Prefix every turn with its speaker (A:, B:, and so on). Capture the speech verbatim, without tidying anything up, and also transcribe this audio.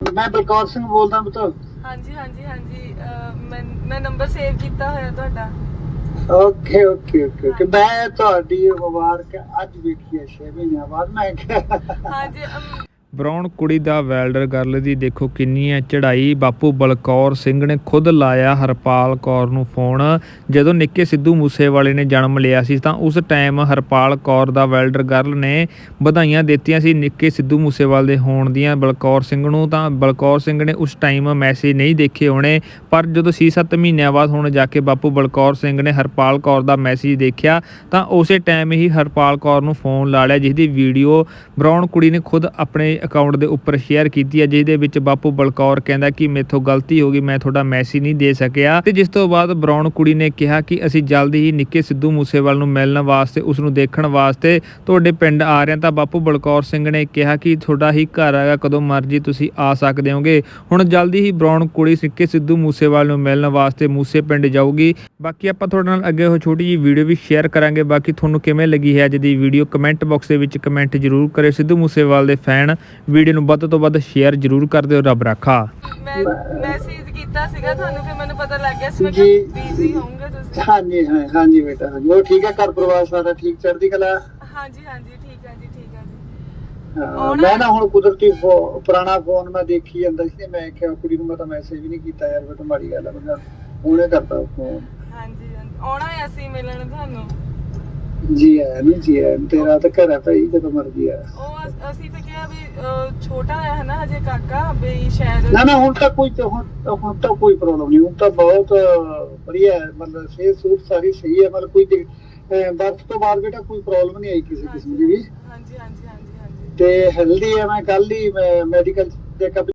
A: मैं बलकौर सिंह बोलदा पुत्र।
B: हाँ जी हाँ जी हाँ जी अ, मैं मैं नंबर सेव किया होया ਤੁਹਾਡਾ।
A: ओके ओके ओके ओके मैं ਤੁਹਾਡੀ ਮੁਬਾਰਕ ਅੱਜ ਵੇਖੀ ਹੈ ਛੇ ਮਹੀਨਿਆਂ ਬਾਅਦ ਮੈਂ ਕਿਹਾ
B: हाँ जी अम,
C: ਬਰਾਉਨ ਕੁੜੀ ਦਾ ਵੈਲਡਰ ਗਰਲ ਦੀ ਦੇਖੋ ਕਿੰਨੀ ਹੈ ਚੜ੍ਹਾਈ। ਬਾਪੂ ਬਲਕੌਰ ਸਿੰਘ ਨੇ ਖੁਦ ਲਾਇਆ ਹਰਪਾਲ ਕੌਰ ਨੂੰ ਫੋਨ। ਜਦੋਂ ਨਿੱਕੇ ਸਿੱਧੂ ਮੂਸੇਵਾਲੇ ਨੇ ਜਨਮ ਲਿਆ ਸੀ ਤਾਂ ਉਸ ਟਾਈਮ ਹਰਪਾਲ ਕੌਰ ਦਾ ਵੈਲਡਰ ਗਰਲ ਨੇ ਵਧਾਈਆਂ ਦਿੱਤੀਆਂ ਸੀ ਨਿੱਕੇ ਸਿੱਧੂ ਮੂਸੇਵਾਲੇ ਦੇ ਹੋਣ ਦੀਆਂ ਬਲਕੌਰ ਸਿੰਘ ਨੂੰ। ਤਾਂ ਬਲਕੌਰ ਸਿੰਘ ਨੇ ਉਸ ਟਾਈਮ ਮੈਸੇਜ ਨਹੀਂ ਦੇਖੇ ਹੋਣੇ, ਪਰ ਜਦੋਂ ਛੇ ਸੱਤ ਮਹੀਨਿਆਂ ਬਾਅਦ ਹੁਣ ਜਾ ਕੇ ਬਾਪੂ ਬਲਕੌਰ ਸਿੰਘ ਨੇ ਹਰਪਾਲ ਕੌਰ ਦਾ ਮੈਸੇਜ ਦੇਖਿਆ ਤਾਂ ਉਸੇ ਟਾਈਮ ਹੀ ਹਰਪਾਲ ਕੌਰ ਨੂੰ ਫੋਨ ਲਾ ਲਿਆ, ਜਿਸ ਦੀ ਵੀਡੀਓ ਬਰਾਉਨ ਕੁੜੀ ਨੇ ਖੁਦ ਆਪਣੇ ਅਕਾਊਂਟ ਦੇ ਉੱਪਰ ਸ਼ੇਅਰ ਕੀਤੀ ਹੈ, ਜਿਸ ਦੇ ਵਿੱਚ ਬਾਪੂ ਬਲਕੌਰ ਕਹਿੰਦਾ ਕਿ ਮੇਥੋਂ ਗਲਤੀ ਹੋ ਗਈ, ਮੈਂ ਤੁਹਾਡਾ ਮੈਸੇਜ ਨਹੀਂ ਦੇ ਸਕਿਆ। ਤੇ ਜਿਸ ਤੋਂ ਬਾਅਦ ਬਰਾਉਨ ਕੁੜੀ ਨੇ ਕਿਹਾ ਕਿ ਅਸੀਂ ਜਲਦੀ ਹੀ ਨਿੱਕੇ ਸਿੱਧੂ ਮੂਸੇਵਾਲ ਨੂੰ ਮਿਲਣ ਵਾਸਤੇ, ਉਸ ਨੂੰ ਦੇਖਣ ਵਾਸਤੇ ਤੁਹਾਡੇ ਪਿੰਡ ਆ ਰਹੇ ਹਾਂ। ਤਾਂ ਬਾਪੂ ਬਲਕੌਰ ਸਿੰਘ ਨੇ ਕਿਹਾ ਕਿ ਤੁਹਾਡਾ ਹੀ ਘਰ ਹੈਗਾ, ਕਦੋਂ ਮਰਜ਼ੀ ਤੁਸੀਂ ਆ ਸਕਦੇ ਹੋਗੇ। ਹੁਣ ਜਲਦੀ ਹੀ ਬਰਾਉਨ ਕੁੜੀ ਨਿੱਕੇ ਸਿੱਧੂ ਮੂਸੇਵਾਲ ਨੂੰ ਮਿਲਣ ਵਾਸਤੇ ਮੂਸੇ ਪਿੰਡ ਜਾਊਗੀ। ਬਾਕੀ ਆਪਾਂ ਤੁਹਾਡੇ ਨਾਲ ਅੱਗੇ ਉਹ ਛੋਟੀ ਜਿਹੀ ਵੀਡੀਓ ਵੀ ਸ਼ੇਅਰ ਕਰਾਂਗੇ। ਬਾਕੀ ਤੁਹਾਨੂੰ ਕਿਵੇਂ ਲੱਗੀ ਹੈ ਅੱਜ ਦੀ ਵੀਡੀਓ ਕਮੈਂਟ ਬਾਕਸ ਦੇ ਵਿੱਚ ਕਮੈਂਟ ਜ਼ਰੂਰ ਕਰਿਓ। ਸਿੱਧੂ ਮੂਸੇਵਾਲ ਦੇ ਫੈਨ ਵੀਡੀਓ ਨੂੰ ਵੱਧ ਤੋਂ ਵੱਧ ਸ਼ੇਅਰ ਜ਼ਰੂਰ ਕਰ ਦਿਓ। ਰੱਬ ਰਾਖਾ।
B: ਮੈਂ ਮੈਸੇਜ ਕੀਤਾ ਸੀਗਾ ਤੁਹਾਨੂੰ, ਫਿਰ ਮੈਨੂੰ ਪਤਾ ਲੱਗ ਗਿਆ ਸੀ ਮੈਂ
A: ਜੀ।
B: ਬਿਜ਼ੀ ਹੋਊਂਗੇ ਤੁਸੀਂ।
A: हाँ जी हाँ हाँ जी बेटा हाँ जी वो ठीक है घर परिवार सारा ठीक चढ़ती कला।
B: हाँ जी हाँ जी ठीक है जी ठीक है जी।
A: ਹਾਂ,
B: ਹੁਣ-
A: ਮੈਂ ਨਾ ਹੁਣ ਕੁਦਰਤੀ ਫੋ- ਪੁਰਾਣਾ ਫੋਨ ਮੈਂ ਦੇਖੀ ਜਾਂਦਾ ਸੀ, ਮੈਂ ਕਿਹਾ ਕੁੜੀ ਨੂੰ ਮੈਂ ਤਾਂ ਮੈਸੇਜ ਵੀ ਨਹੀਂ ਕੀਤਾ ਯਾਰ, ਮੈਂ ਤਾਂ ਮਾੜੀ ਗੱਲ ਆ, ਮੈਂ ਹੁਣੇ ਕਰਦਾ ਫੋਨ।
B: हाँ जी हाँ जी ਆਉਣਾ ਹੈ ਅਸੀਂ ਮਿਲਣ ਤੁਹਾਨੂੰ।
A: ਜੀ ਆਇਆ ਨਹੀਂ ਜੀ ਆਇਆ, ਤੇਰਾ ਤਾਂ ਘਰ ਹੈ ਭਾਈ, ਜਦੋਂ ਮਰਜੀ ਆ।
B: ਉਹ ਅਸ- ਅਸੀਂ ਤਾਂ ਕਿਹਾ ਵੀ ਅ, ਛੋਟਾ ਹੈ ਨਾ ਹਜੇ ਕਾਕਾ, ਵੀ ਸ਼ਾਇਦ
A: ਨਾ ਨਾ ਹੁਣ ਤਾਂ ਕੋਈ ਹੁਣ ਹੁਣ ਤਾਂ ਕੋਈ ਪ੍ਰੋਬਲਮ ਨਹੀਂ, ਹੁਣ ਤਾਂ ਬਹੁਤ ਵਧੀਆ ਹੈ, ਮਤਲਬ ਸਿਹਤ ਸੂਤ ਸਾਰੀ ਸਹੀ ਹੈ, ਮਤਲਬ ਕੋਈ ਬਰਥ ਤੋਂ ਬਾਅਦ ਬੇਟਾ ਕੋਈ ਪ੍ਰੋਬਲਮ ਨਹੀਂ ਆਈ ਕਿਸੇ ਕਿਸਮ ਦੀ ਵੀ,
B: ਹਾਂਜੀ ਹਾਂਜੀ ਹਾਂਜੀ ਹਾਂਜੀ।
A: ਤੇ ਹੈਲਦੀ ਹੈ। ਮੈਂ ਕੱਲ ਹੀ ਮੈਂ ਮੈਡੀਕਲ ਚੈੱਕਅਪ